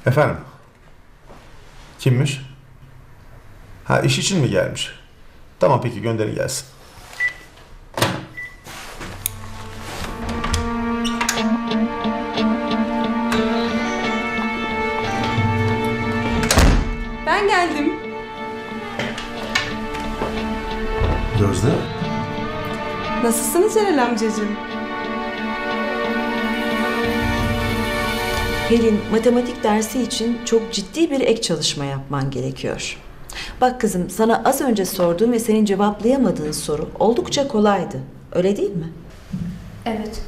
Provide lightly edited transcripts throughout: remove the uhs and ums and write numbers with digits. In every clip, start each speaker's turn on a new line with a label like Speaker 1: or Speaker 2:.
Speaker 1: Efendim? Kimmiş? Ha, iş için mi gelmiş? Tamam, peki gönderin gelsin.
Speaker 2: Ben geldim.
Speaker 1: Gözde?
Speaker 2: Nasılsınız Celal amcacığım?
Speaker 3: Pelin, matematik dersi için çok ciddi bir ek çalışma yapman gerekiyor. Bak kızım, sana az önce sorduğum ve senin cevaplayamadığın soru oldukça kolaydı. Öyle değil mi?
Speaker 4: Evet.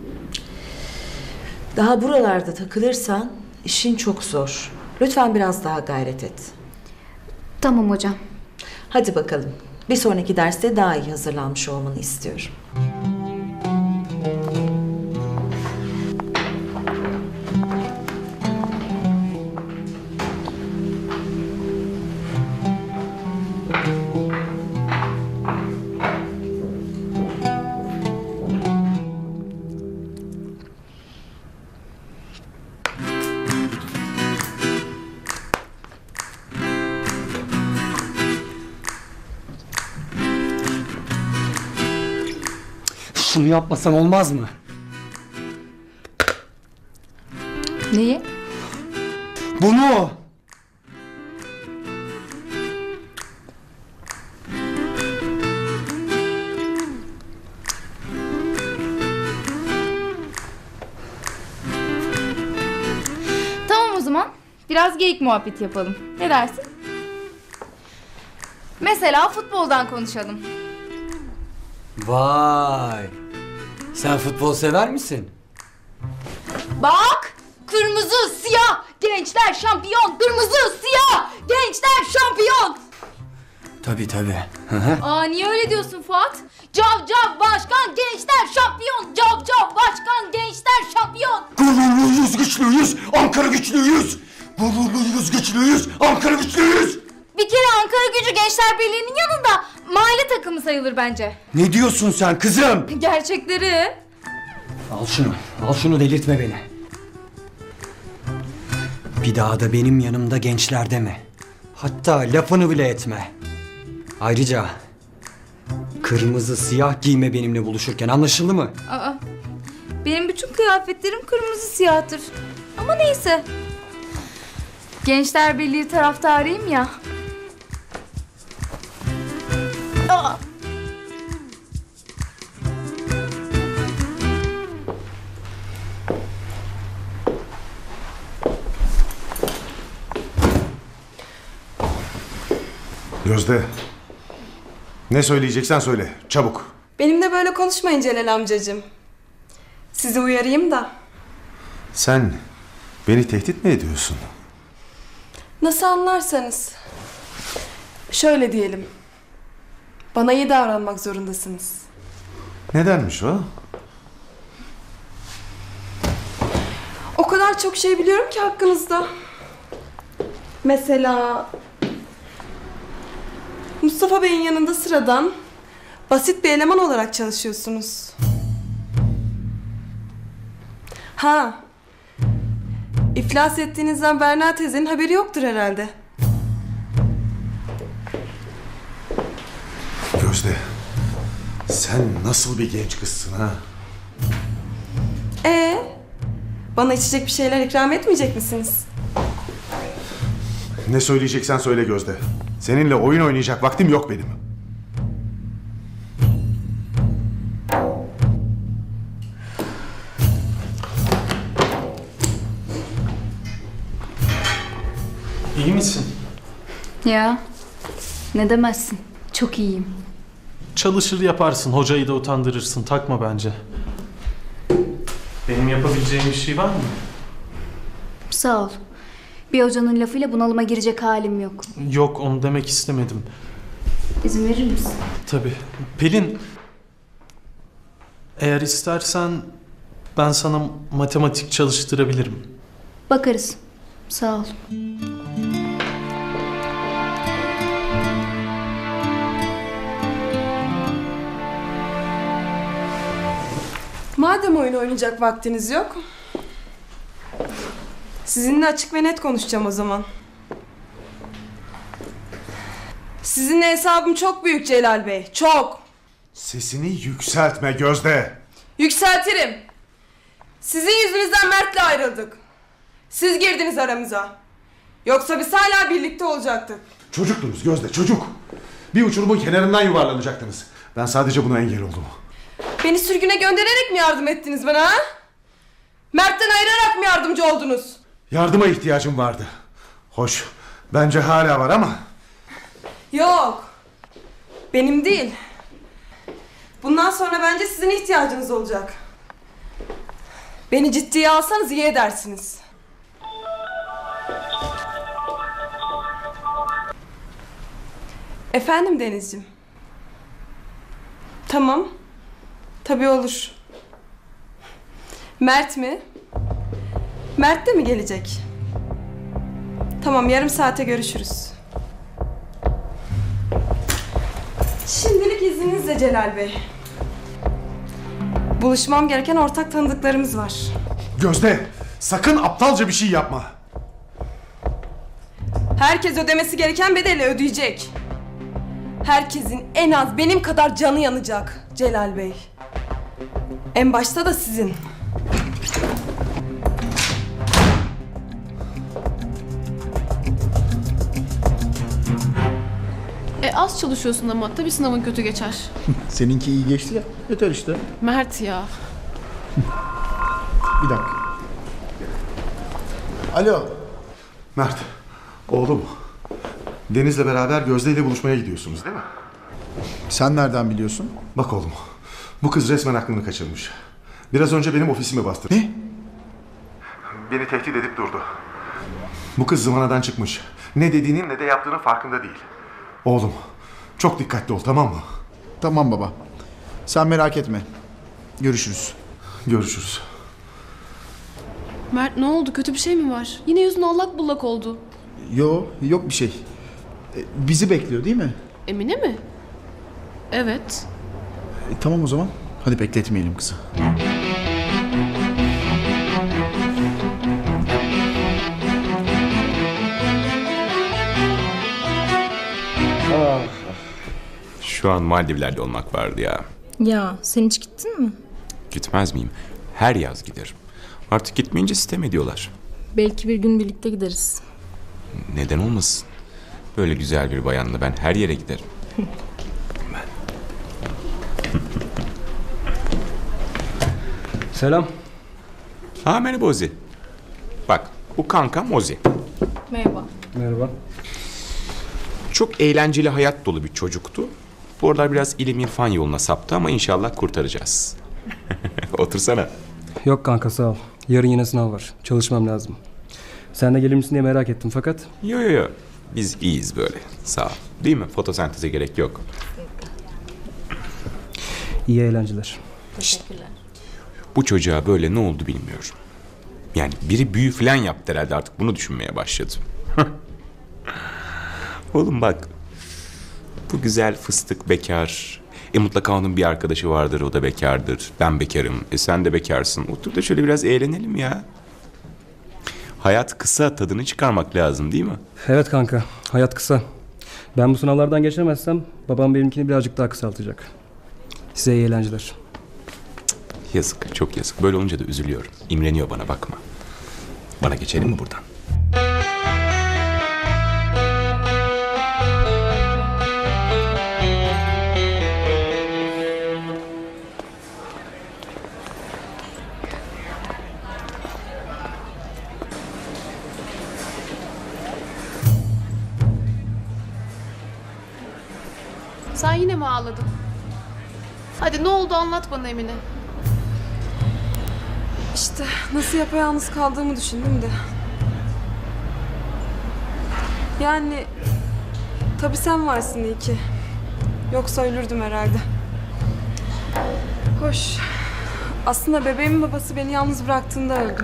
Speaker 3: Daha buralarda takılırsan işin çok zor. Lütfen biraz daha gayret et.
Speaker 4: Tamam hocam.
Speaker 3: Hadi bakalım. Bir sonraki derste daha iyi hazırlanmış olmanı istiyorum.
Speaker 5: Şunu yapmasan olmaz mı?
Speaker 4: Neyi?
Speaker 5: Bunu!
Speaker 4: Tamam o zaman. Biraz geyik muhabbeti yapalım. Ne dersin? Mesela futboldan konuşalım.
Speaker 5: Vay! Sen futbol sever misin?
Speaker 4: Bak! Kırmızı, siyah! Gençler şampiyon! Kırmızı, siyah! Gençler şampiyon!
Speaker 5: Tabii tabii. Hı hı.
Speaker 4: Aa niye öyle diyorsun Fuat? Cav cav başkan gençler şampiyon! Cav cav başkan gençler şampiyon!
Speaker 5: Gururluyuz, güçlüyüz, Ankara güçlüyüz! Gururluyuz, güçlüyüz, Ankara güçlüyüz!
Speaker 4: Bir kere Ankara Gücü Gençler Birliği'nin yanında mahalle takımı sayılır bence.
Speaker 5: Ne diyorsun sen kızım?
Speaker 4: Gerçekleri.
Speaker 5: Al şunu delirtme beni. Bir daha da benim yanımda gençler deme. Hatta lafını bile etme. Ayrıca kırmızı siyah giyme benimle buluşurken, anlaşıldı mı?
Speaker 4: Aa, benim bütün kıyafetlerim kırmızı siyahtır. Ama neyse. Gençler Birliği taraftarıyım ya. Aa.
Speaker 1: Gözde. Ne söyleyeceksen söyle. Çabuk.
Speaker 2: Benimle böyle konuşmayın Celal amcacığım. Sizi uyarayım da.
Speaker 1: Sen beni tehdit mi ediyorsun?
Speaker 2: Nasıl anlarsanız. Şöyle diyelim. Bana iyi davranmak zorundasınız.
Speaker 1: Nedenmiş o?
Speaker 2: O kadar çok şey biliyorum ki hakkınızda. Mesela... Mustafa Bey'in yanında sıradan, basit bir eleman olarak çalışıyorsunuz. Ha, iflas ettiğinizden Berna teyzenin haberi yoktur herhalde.
Speaker 1: Gözde. Sen nasıl bir genç kızsın ha?
Speaker 2: Bana içecek bir şeyler ikram etmeyecek misiniz?
Speaker 1: Ne söyleyeceksen söyle Gözde. Seninle oyun oynayacak vaktim yok benim.
Speaker 6: İyi misin?
Speaker 4: Ya, ne demezsin. Çok iyiyim.
Speaker 6: Çalışır yaparsın, hocayı da utandırırsın. Takma bence. Benim yapabileceğim bir şey var mı?
Speaker 4: Sağ ol. Bir hocanın lafıyla bunalıma girecek halim yok.
Speaker 6: Yok, onu demek istemedim.
Speaker 4: İzin verir misin?
Speaker 6: Tabii. Pelin, eğer istersen ben sana matematik çalıştırabilirim.
Speaker 4: Bakarız. Sağ ol.
Speaker 2: Madem oyun oynayacak vaktiniz yok, Sizinle açık ve net konuşacağım o zaman. Sizinle hesabım çok büyük Celal Bey. Çok.
Speaker 1: Sesini yükseltme Gözde.
Speaker 2: Yükseltirim. Sizin yüzünüzden Mert'le ayrıldık. Siz girdiniz aramıza. Yoksa biz hala birlikte olacaktık.
Speaker 1: Çocuktunuz Gözde, çocuk. Bir uçurumun kenarından yuvarlanacaktınız. Ben sadece buna engel oldum.
Speaker 2: Beni sürgüne göndererek mi yardım ettiniz bana ha? Mert'ten ayırarak mı yardımcı oldunuz?
Speaker 1: Yardıma ihtiyacım vardı. Hoş, bence hala var ama...
Speaker 2: Yok. Benim değil. Bundan sonra bence sizin ihtiyacınız olacak. Beni ciddiye alsanız iyi edersiniz. Efendim Denizciğim. Tamam. Tabii olur. Mert mi? Mert de mi gelecek? Tamam, yarım saate görüşürüz. Şimdilik izninizle Celal Bey. Buluşmam gereken ortak tanıdıklarımız var.
Speaker 1: Gözde, sakın aptalca bir şey yapma.
Speaker 2: Herkes ödemesi gereken bedeli ödeyecek. Herkesin en az benim kadar canı yanacak Celal Bey. En başta da sizin.
Speaker 7: Az çalışıyorsun ama tabii sınavın kötü geçer.
Speaker 8: Seninki iyi geçti ya. Yeter işte.
Speaker 7: Mert ya.
Speaker 8: Bir dakika. Alo.
Speaker 1: Mert, oğlum. Deniz'le beraber Gözde ile buluşmaya gidiyorsunuz değil mi?
Speaker 8: Sen nereden biliyorsun?
Speaker 1: Bak oğlum, bu kız resmen aklını kaçırmış. Biraz önce benim ofisime bastırdı.
Speaker 8: Ne?
Speaker 1: Beni tehdit edip durdu. Bu kız zıvanadan çıkmış. Ne dediğinin ne de yaptığının farkında değil. Oğlum, çok dikkatli ol, tamam mı?
Speaker 8: Tamam baba. Sen merak etme. Görüşürüz.
Speaker 1: Görüşürüz.
Speaker 7: Mert ne oldu? Kötü bir şey mi var? Yine yüzün allak bullak oldu.
Speaker 8: Yok bir şey. Bizi bekliyor değil mi?
Speaker 7: Emine mi? Evet.
Speaker 8: Tamam o zaman. Hadi bekletmeyelim kızı.
Speaker 9: Şu an Maldivler'de olmak vardı ya.
Speaker 4: Ya sen hiç gittin mi?
Speaker 9: Gitmez miyim? Her yaz giderim. Artık gitmeyince sitem ediyorlar.
Speaker 4: Belki bir gün birlikte gideriz.
Speaker 9: Neden olmasın? Böyle güzel bir bayanla ben her yere giderim.
Speaker 5: Selam.
Speaker 9: Ha merhaba Ozi. Bak bu kankam Ozi.
Speaker 4: Merhaba.
Speaker 5: Merhaba.
Speaker 9: Çok eğlenceli hayat dolu bir çocuktu. Bu aralar biraz ilim irfan yoluna saptı ama inşallah kurtaracağız. Otursana.
Speaker 10: Yok kanka sağ ol. Yarın yine sınav var. Çalışmam lazım. Sen de gelir misin diye merak ettim fakat.
Speaker 9: Yo. Biz iyiyiz böyle. Sağ ol. Değil mi? Fotosenteze gerek yok.
Speaker 10: İyi eğlenceler.
Speaker 4: Teşekkürler.
Speaker 9: Bu çocuğa böyle ne oldu bilmiyorum. Yani biri büyü falan yaptı herhalde, artık bunu düşünmeye başladım. Oğlum bak. Bu güzel fıstık bekar. Mutlaka onun bir arkadaşı vardır, o da bekardır. Ben bekarım, sen de bekarsın. Otur da şöyle biraz eğlenelim ya. Hayat kısa, tadını çıkarmak lazım değil mi?
Speaker 10: Evet kanka. Hayat kısa. Ben bu sınavlardan geçemezsem babam benimkini birazcık daha kısaltacak. Size iyi eğlenceler.
Speaker 9: Yazık, çok yazık. Böyle olunca da üzülüyorum. İmreniyor bana, bakma. Bana geçelim mi buradan?
Speaker 7: Sen yine mi ağladın? Hadi ne oldu anlat bana Emine.
Speaker 2: İşte nasıl yapayalnız kaldığımı düşündüm de. Yani tabii sen varsın iyi ki. Yoksa ölürdüm herhalde. Hoş. Aslında bebeğimin babası beni yalnız bıraktığında öldüm.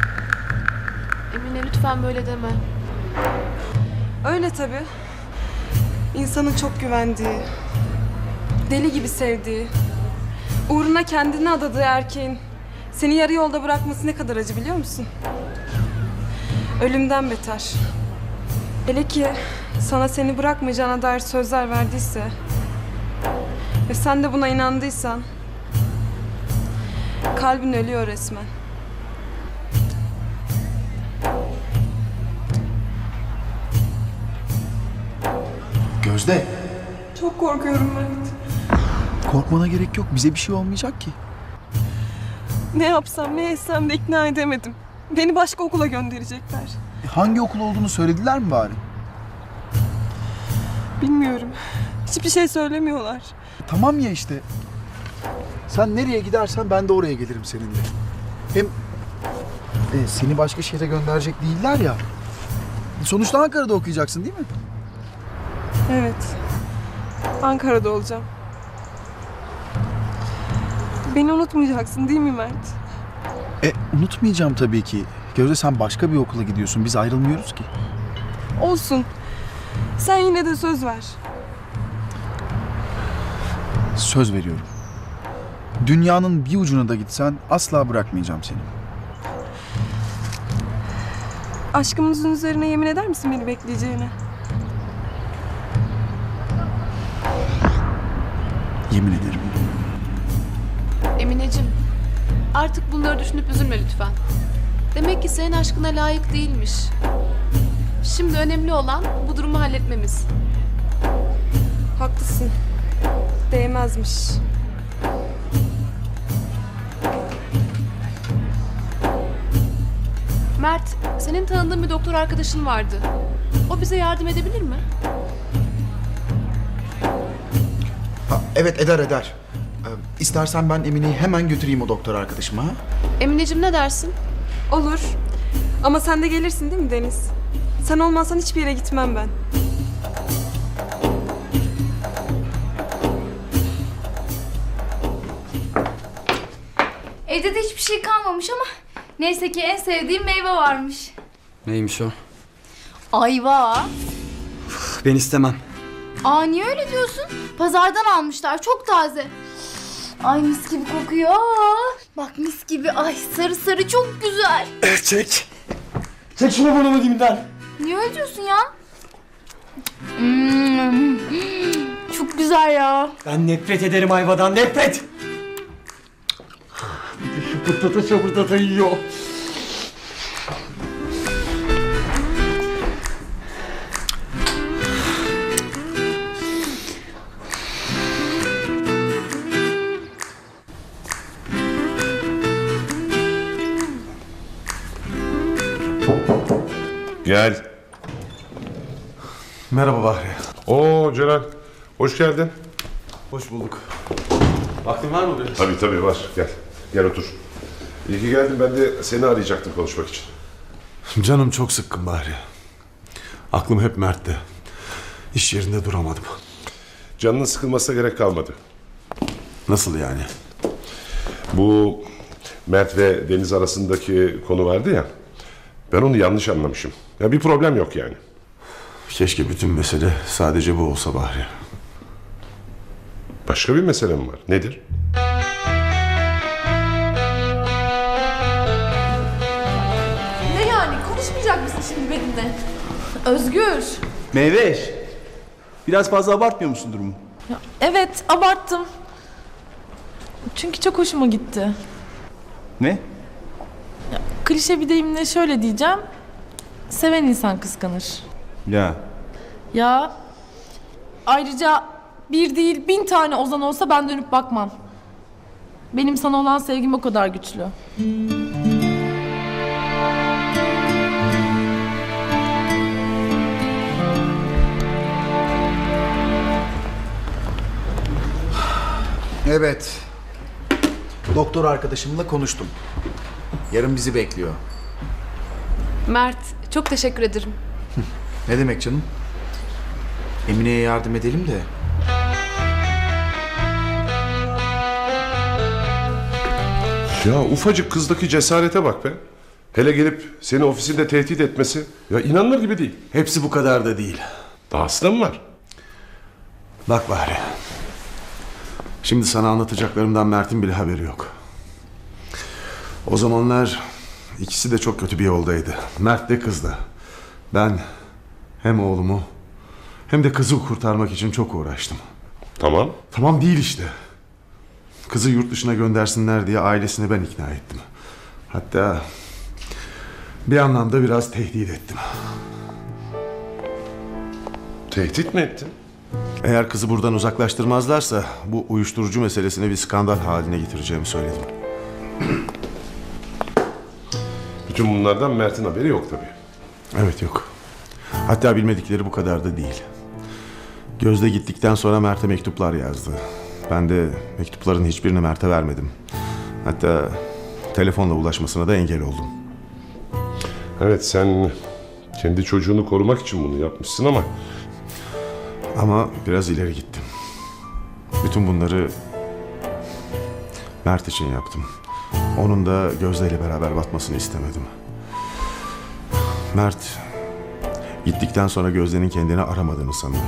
Speaker 7: Emine lütfen böyle deme.
Speaker 2: Öyle tabii. İnsanın çok güvendiği, deli gibi sevdiği, uğruna kendini adadığı erkeğin seni yarı yolda bırakması ne kadar acı biliyor musun? Ölümden beter. Hele ki sana seni bırakmayacağına dair sözler verdiyse ve sen de buna inandıysan kalbin ölüyor resmen.
Speaker 8: Gözde.
Speaker 2: Çok korkuyorum Mert.
Speaker 8: Korkmana gerek yok. Bize bir şey olmayacak ki.
Speaker 2: Ne yapsam ne etsem de ikna edemedim. Beni başka okula gönderecekler.
Speaker 8: Hangi okul olduğunu söylediler mi bari?
Speaker 2: Bilmiyorum. Hiçbir şey söylemiyorlar.
Speaker 8: Tamam ya işte. Sen nereye gidersen ben de oraya gelirim seninle. Hem seni başka şehre gönderecek değiller ya. Sonuçta Ankara'da okuyacaksın değil mi?
Speaker 2: Evet. Ankara'da olacağım. Beni unutmayacaksın değil mi Mert?
Speaker 8: Unutmayacağım tabii ki. Gözde sen başka bir okula gidiyorsun. Biz ayrılmıyoruz ki.
Speaker 2: Olsun. Sen yine de söz ver.
Speaker 8: Söz veriyorum. Dünyanın bir ucuna da gitsen asla bırakmayacağım seni.
Speaker 2: Aşkımızın üzerine yemin eder misin beni bekleyeceğine?
Speaker 8: Yemin ederim.
Speaker 7: Emineciğim, artık bunları düşünüp üzülme lütfen. Demek ki senin aşkına layık değilmiş. Şimdi önemli olan bu durumu halletmemiz.
Speaker 2: Haklısın. Değmezmiş.
Speaker 7: Mert, senin tanıdığın bir doktor arkadaşın vardı. O bize yardım edebilir mi?
Speaker 8: Evet eder. İstersen ben Emine'yi hemen götüreyim o doktor arkadaşıma. Ha?
Speaker 7: Emineciğim ne dersin?
Speaker 2: Olur. Ama sen de gelirsin değil mi Deniz? Sen olmazsan hiçbir yere gitmem ben.
Speaker 4: Evde de hiçbir şey kalmamış ama neyse ki en sevdiğim meyve varmış.
Speaker 5: Neymiş o?
Speaker 4: Ayva.
Speaker 5: Ben istemem.
Speaker 4: Aa niye öyle diyorsun? Pazardan almışlar çok taze. Ay mis gibi kokuyor. Bak mis gibi. Ay sarı sarı çok güzel.
Speaker 5: Çek. Çek şunu burnumu dibimden.
Speaker 4: Niye öyle diyorsun ya? Çok güzel ya.
Speaker 5: Ben nefret ederim ayvadan, nefret. Bir de şu şapırdata yiyor.
Speaker 11: Gel.
Speaker 1: Merhaba Bahri.
Speaker 11: Oo Celal. Hoş geldin.
Speaker 1: Hoş bulduk. Vaktin var mı biraz?
Speaker 11: Tabii var. Gel. Gel otur. İyi ki geldin. Ben de seni arayacaktım konuşmak için.
Speaker 1: Canım çok sıkkın Bahri. Aklım hep Mert'te. İş yerinde duramadım.
Speaker 11: Canının sıkılmasına gerek kalmadı.
Speaker 1: Nasıl yani?
Speaker 11: Bu Mert ve Deniz arasındaki konu vardı ya. Ben onu yanlış anlamışım. Ya bir problem yok yani.
Speaker 1: Keşke bütün mesele sadece bu olsa Bahri.
Speaker 11: Başka bir mesele mi var? Nedir?
Speaker 7: Ne yani? Konuşmayacak mısın şimdi benimle? Özgür.
Speaker 8: Meyveş. Biraz fazla abartmıyor musun durumu?
Speaker 12: Evet, abarttım. Çünkü çok hoşuma gitti.
Speaker 8: Ne?
Speaker 12: Klişe bir deyimle şöyle diyeceğim. Seven insan kıskanır.
Speaker 8: Ya.
Speaker 12: Ya ayrıca bir değil 1000 tane Ozan olsa ben dönüp bakmam. Benim sana olan sevgim o kadar güçlü.
Speaker 8: Evet. Doktor arkadaşımla konuştum. Yarın bizi bekliyor.
Speaker 7: Mert, çok teşekkür ederim.
Speaker 8: Ne demek canım? Emine'ye yardım edelim de.
Speaker 11: Ya ufacık kızdaki cesarete bak be. Hele gelip seni ofisinde tehdit etmesi ya inanılır gibi değil.
Speaker 1: Hepsi bu kadar da değil.
Speaker 11: Dahası da mı var?
Speaker 1: Bak Bahri. Şimdi sana anlatacaklarımdan Mert'in bile haberi yok. O zamanlar İkisi de çok kötü bir yoldaydı. Mert de kız da. Ben hem oğlumu hem de kızı kurtarmak için çok uğraştım.
Speaker 11: Tamam.
Speaker 1: Tamam değil işte. Kızı yurt dışına göndersinler diye ailesini ben ikna ettim. Hatta bir anlamda biraz tehdit ettim.
Speaker 11: Tehdit mi ettin?
Speaker 1: Eğer kızı buradan uzaklaştırmazlarsa bu uyuşturucu meselesini bir skandal haline getireceğimi söyledim.
Speaker 11: Bütün bunlardan Mert'in haberi yok tabii.
Speaker 1: Evet, yok. Hatta bilmedikleri bu kadar da değil. Gözde gittikten sonra Mert'e mektuplar yazdı. Ben de mektupların hiçbirini Mert'e vermedim. Hatta telefonla ulaşmasına da engel oldum.
Speaker 11: Evet, sen kendi çocuğunu korumak için bunu yapmışsın
Speaker 1: Ama biraz ileri gittim. Bütün bunları Mert için yaptım. Onun da Gözde ile beraber batmasını istemedim. Mert gittikten sonra Gözde'nin kendini aramadığını sanıyor.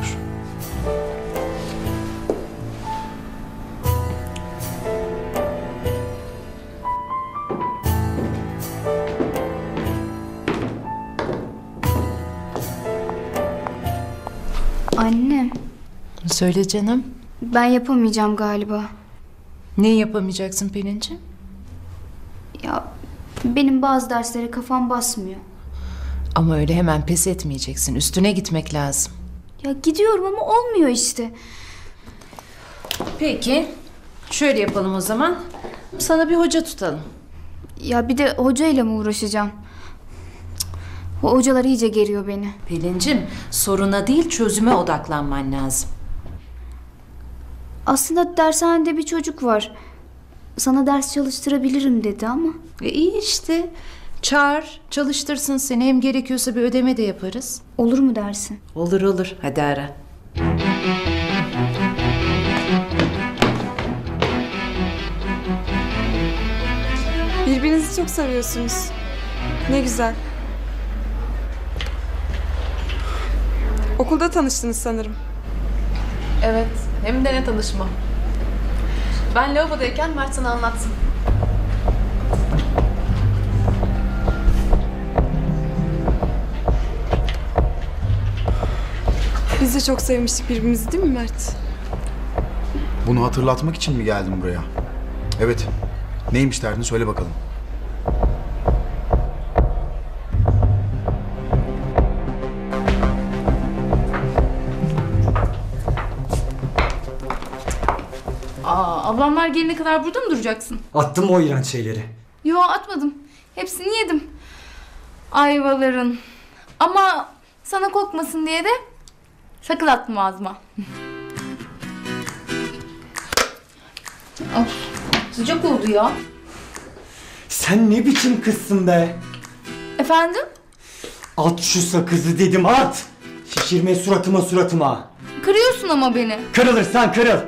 Speaker 13: Anne,
Speaker 14: Söyle canım.
Speaker 13: ben yapamayacağım galiba.
Speaker 14: Ne yapamayacaksın Pelin'ciğim?
Speaker 13: Ya benim bazı derslere kafam basmıyor.
Speaker 14: Ama öyle hemen pes etmeyeceksin. Üstüne gitmek lazım.
Speaker 13: Ya gidiyorum ama olmuyor işte.
Speaker 14: Peki. Şöyle yapalım o zaman. Sana bir hoca tutalım.
Speaker 13: Ya bir de hocayla mı uğraşacağım? O hocalar iyice geriyor beni.
Speaker 14: Pelin'ciğim, soruna değil çözüme odaklanman lazım.
Speaker 13: Aslında dershanede bir çocuk var. Sana ders çalıştırabilirim dedi ama.
Speaker 14: İyi işte. Çağır, çalıştırsın seni. Hem gerekiyorsa bir ödeme de yaparız.
Speaker 13: Olur mu dersin?
Speaker 14: Olur olur. Hadi ara.
Speaker 2: Birbirinizi çok seviyorsunuz. Ne güzel. Okulda tanıştınız sanırım.
Speaker 7: Evet, hem de ne tanışma. Ben lavabodayken Mert sana anlatsın.
Speaker 2: Biz de çok sevmiştik birbirimizi değil mi Mert?
Speaker 8: Bunu hatırlatmak için mi geldin buraya? Evet. Neymiş derdin, söyle bakalım.
Speaker 4: Ablamlar gelene kadar burada mı duracaksın?
Speaker 5: Attım o iğrenç şeyleri.
Speaker 4: Yo, atmadım. Hepsini yedim. Ayvaların. Ama sana kokmasın diye de sakın atma ağzıma. Of, sıcak oldu ya.
Speaker 5: Sen ne biçim kızsın be?
Speaker 4: Efendim?
Speaker 5: At şu sakızı dedim, at! Şişirme suratıma.
Speaker 4: Kırıyorsun ama beni.
Speaker 5: Kırılırsan kırıl.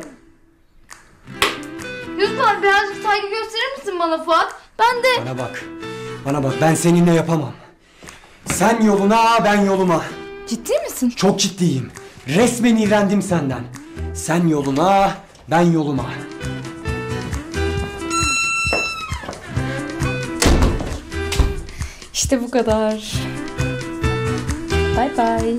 Speaker 4: Lütfen birazcık saygı gösterir misin bana Fuat? Ben de...
Speaker 5: Bana bak, ben seninle yapamam. Sen yoluna, ben yoluma.
Speaker 4: Ciddi misin?
Speaker 5: Çok ciddiyim. Resmen iğrendim senden. Sen yoluna, ben yoluma.
Speaker 4: İşte bu kadar. Bye bye.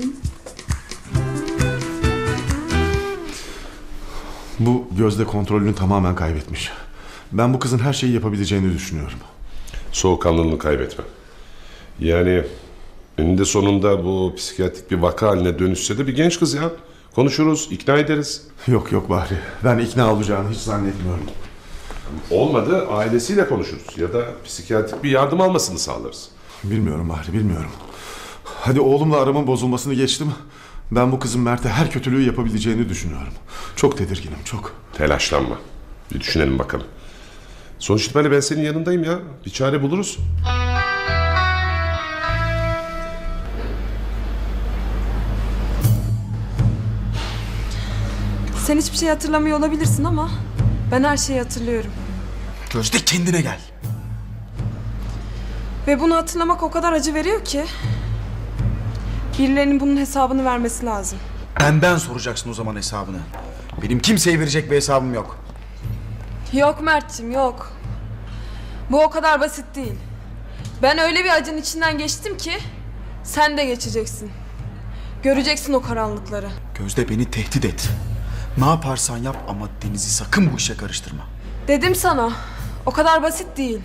Speaker 1: Bu Gözde kontrolünü tamamen kaybetmiş. Ben bu kızın her şeyi yapabileceğini düşünüyorum.
Speaker 11: Soğukkanlılığını kaybetme. Yani eninde sonunda bu psikiyatrik bir vaka haline dönüşse de bir genç kız ya. Konuşuruz, ikna ederiz.
Speaker 1: Yok Bahri. Ben ikna olacağını hiç zannetmiyorum.
Speaker 11: Olmadı ailesiyle konuşuruz ya da psikiyatrik bir yardım almasını sağlarız.
Speaker 1: Bilmiyorum Bahri, bilmiyorum. Hadi oğlumla aramın bozulmasını geçtim. Ben bu kızın Mert'e her kötülüğü yapabileceğini düşünüyorum. Çok tedirginim, çok.
Speaker 11: Telaşlanma. Bir düşünelim bakalım. Sonuç itibariyle ben senin yanındayım ya. Bir çare buluruz.
Speaker 2: Sen hiçbir şey hatırlamıyor olabilirsin ama ben her şeyi hatırlıyorum.
Speaker 8: Gözde, kendine gel.
Speaker 2: Ve bunu hatırlamak o kadar acı veriyor ki birilerinin bunun hesabını vermesi lazım.
Speaker 8: Benden soracaksın o zaman hesabını. Benim kimseye verecek bir hesabım yok.
Speaker 2: Yok Mert'cim, yok. Bu o kadar basit değil. Ben öyle bir acının içinden geçtim ki sen de geçeceksin. Göreceksin o karanlıkları.
Speaker 8: Gözde, beni tehdit et. Ne yaparsan yap ama Deniz'i sakın bu işe karıştırma.
Speaker 2: Dedim sana. O kadar basit değil.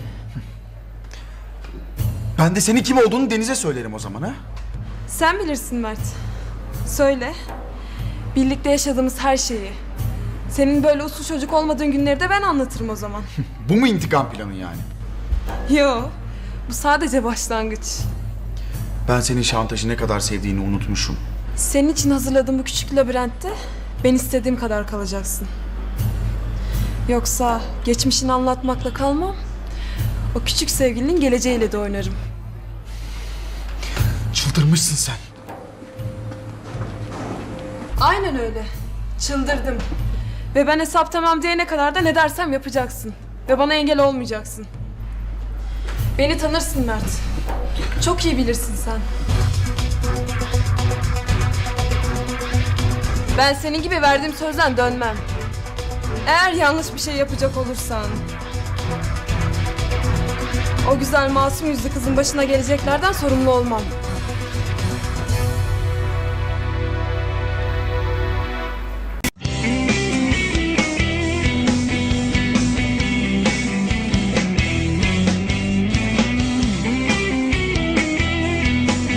Speaker 8: Ben de senin kim olduğunu Deniz'e söylerim o zaman ha.
Speaker 2: Sen bilirsin Mert. Söyle. Birlikte yaşadığımız her şeyi. Senin böyle uslu çocuk olmadığın günleri de ben anlatırım o zaman.
Speaker 8: Bu mu intikam planı yani?
Speaker 2: Yo. Bu sadece başlangıç.
Speaker 8: Ben senin şantajı ne kadar sevdiğini unutmuşum.
Speaker 2: Senin için hazırladığım bu küçük labirentte ben istediğim kadar kalacaksın. Yoksa geçmişini anlatmakla kalmam. O küçük sevgilinin geleceğiyle de oynarım.
Speaker 8: Çıldırmışsın sen.
Speaker 2: Aynen öyle. Çıldırdım. Ve ben hesap tamam diyene kadar da ne dersem yapacaksın. Ve bana engel olmayacaksın. Beni tanırsın Mert. Çok iyi bilirsin sen. Ben senin gibi verdiğim sözden dönmem. Eğer yanlış bir şey yapacak olursan... O güzel masum yüzlü kızın başına geleceklerden sorumlu olmam.